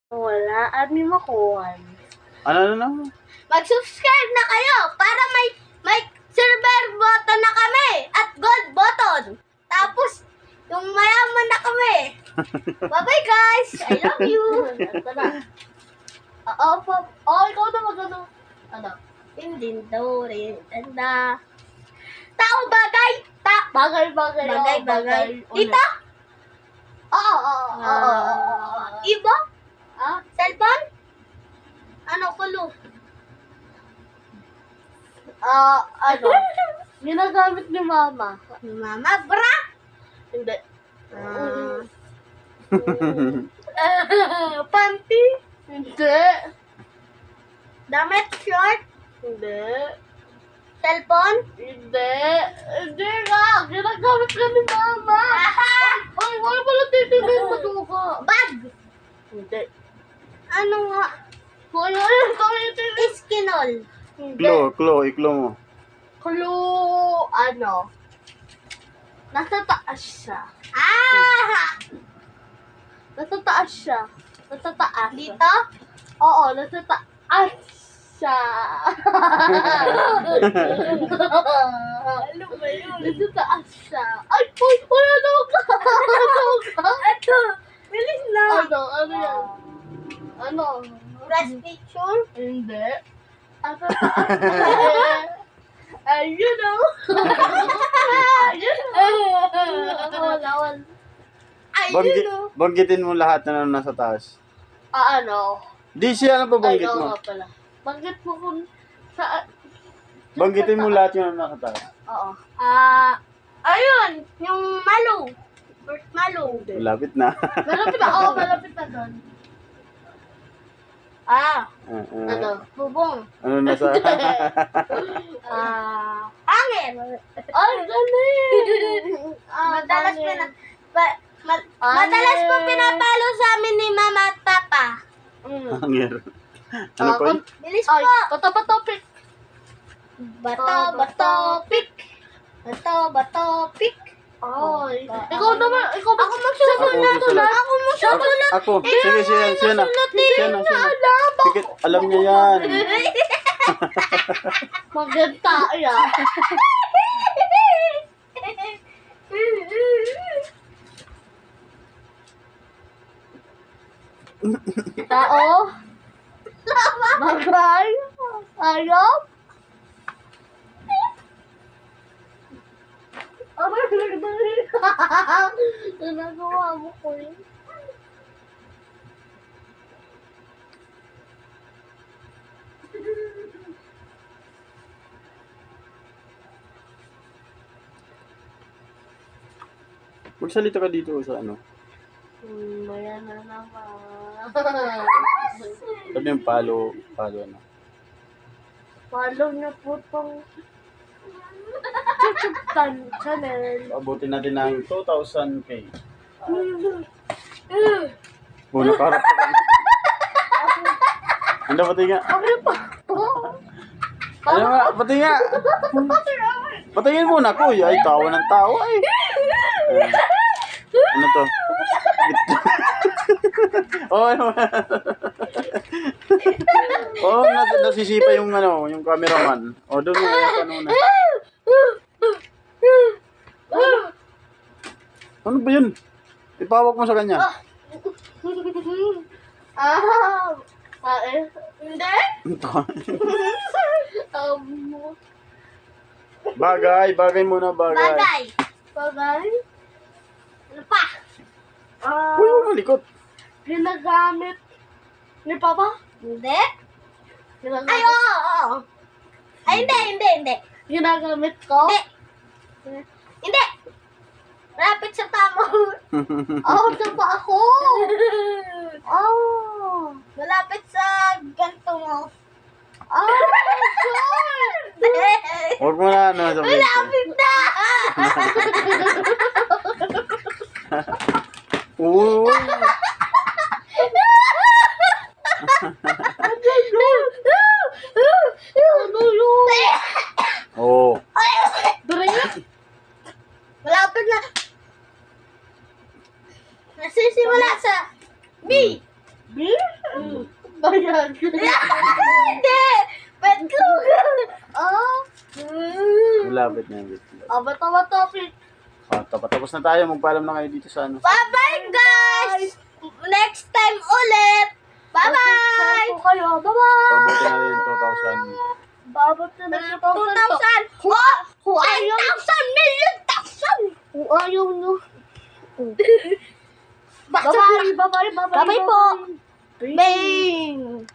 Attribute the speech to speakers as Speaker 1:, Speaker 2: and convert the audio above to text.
Speaker 1: Wala, admin mo kuhan.
Speaker 2: Ano?
Speaker 3: Mag-subscribe na kayo para may silver button na kami at gold button. Tapos, yung mayaman na kami. Bye-bye guys! I love you!
Speaker 1: Ito na. Ikaw na mag-ano. Ano?
Speaker 3: Hindi daw rin. Tanda. Tao bagay.
Speaker 1: Bagay.
Speaker 3: Bagay.
Speaker 1: Ulit.
Speaker 3: Ito?
Speaker 1: Oo.
Speaker 3: Ibo?
Speaker 1: Ah?
Speaker 3: Cellphone? Ano kulo?
Speaker 1: Ano? Ginagamit ni mama.
Speaker 3: Mama, bra?
Speaker 1: Hindi.
Speaker 3: Panty?
Speaker 1: Hindi.
Speaker 3: Damit? Short?
Speaker 1: Hindi.
Speaker 3: Cellphone?
Speaker 1: Hindi nga. Ginagamit ka ni mama. Ay, wala pala titigil matuka.
Speaker 3: Bag?
Speaker 1: Hindi.
Speaker 3: Ano nga?
Speaker 1: Ayun, titigil.
Speaker 3: Iskinol?
Speaker 1: Hindi.
Speaker 2: Iklo mo.
Speaker 1: Clue, ano? Nasa taas siya. Nasa taas siya. Nasa taas.
Speaker 3: Dito?
Speaker 1: Oo, nasa taas siya.
Speaker 3: Ano ba yun?
Speaker 1: Nasa taas siya. Ay, wala daw ka.
Speaker 3: Ito! Bilis na!
Speaker 1: Ano yan? Ano?
Speaker 3: Press picture?
Speaker 1: Hindi. Nasa taas. Ayun o. Ayun o.
Speaker 3: Ayun o!
Speaker 2: Banggitin mo lahat na nasa taas.
Speaker 1: Ano?
Speaker 2: Di siya ano ba banggit
Speaker 1: Ay, oo
Speaker 2: mo?
Speaker 1: nga pala. Banggit mo kung sa...
Speaker 2: Banggitin mo lahat yung nasa taas.
Speaker 1: Oo.
Speaker 3: Ayun! Yung malo. First malo.
Speaker 2: Malapit na.
Speaker 1: Malapit na. Oo, malapit na doon. Ano?
Speaker 3: Bubong.
Speaker 2: Ano nasa...
Speaker 3: Hangin!
Speaker 1: Ay, galing!
Speaker 3: Madalas
Speaker 1: galing.
Speaker 3: madalas po pinapalo sa amin ni mama at papa.
Speaker 2: Hangir. Ano po yun?
Speaker 3: Bilis
Speaker 1: Ay,
Speaker 3: po!
Speaker 1: topic.
Speaker 3: Bato, pick. Bato, pick.
Speaker 1: Ay, ikaw naman. Ikaw
Speaker 3: Ako magsusulat. Ako magsusulat.
Speaker 2: Ako. Sige, siya na. Siya na. Sige, alam niya yan.
Speaker 1: maganda yan. Tao. Bagay. Ayop. Ginagawa mo ko yun.
Speaker 2: Magsalita ka dito sa ano.
Speaker 1: Maya na naman.
Speaker 2: Sabi yung palo ano.
Speaker 1: Follow niyo po tong YouTube channel.
Speaker 2: Abutin natin ng 2,000k. Muna karap ka. Ano, pati nga. Ano nga, pati nga. Patingin muna, kuya. Ay, tawa ng tawa eh. Ano to? Ano? Nasisipa yung yung cameraman. Doon mo kaya kanuna. Ano ba yun? Ipawak mo sa kanya.
Speaker 3: Hindi?
Speaker 2: Bagay muna, bagay.
Speaker 3: Bagay? Ano pa?
Speaker 2: Uy, huwag malikot.
Speaker 1: Ginagamit ni Papa?
Speaker 3: Hindi?
Speaker 1: Ginagamit,
Speaker 3: Ay, oo. Ay, hindi.
Speaker 1: ginagamit ko?
Speaker 3: Hindi. Rapid sa tamo.
Speaker 1: Sa pa ako.
Speaker 3: Malapit sa ganito mo.
Speaker 2: Huwag mo na, sabihin ko.
Speaker 3: Malapit na!
Speaker 2: Uy.
Speaker 1: Ano yun?
Speaker 2: Oo.
Speaker 1: Drink?
Speaker 3: Malapit na. Nasisimula sa B.
Speaker 1: Beer? Bayan.
Speaker 3: Hindi! Betlog!
Speaker 1: Ah.
Speaker 2: Malapit na yun.
Speaker 1: Abot-abot topic.
Speaker 2: Tapos na tayo. Magpaalam na kayo dito sa ano.
Speaker 3: Bye-bye, guys! Next time ulit! Bye-bye!
Speaker 1: Po kayo. Bye-bye.
Speaker 2: Pabuti na rin 2,000.
Speaker 1: Babot na ng
Speaker 3: 2,000!
Speaker 1: Kung ayaw,
Speaker 3: 10,000 million thousand!
Speaker 1: kung ayaw nyo.
Speaker 3: Bakit?
Speaker 1: Bye-bye. Bye-bye. Bye-bye.
Speaker 3: Bye-bye po.
Speaker 1: Bye.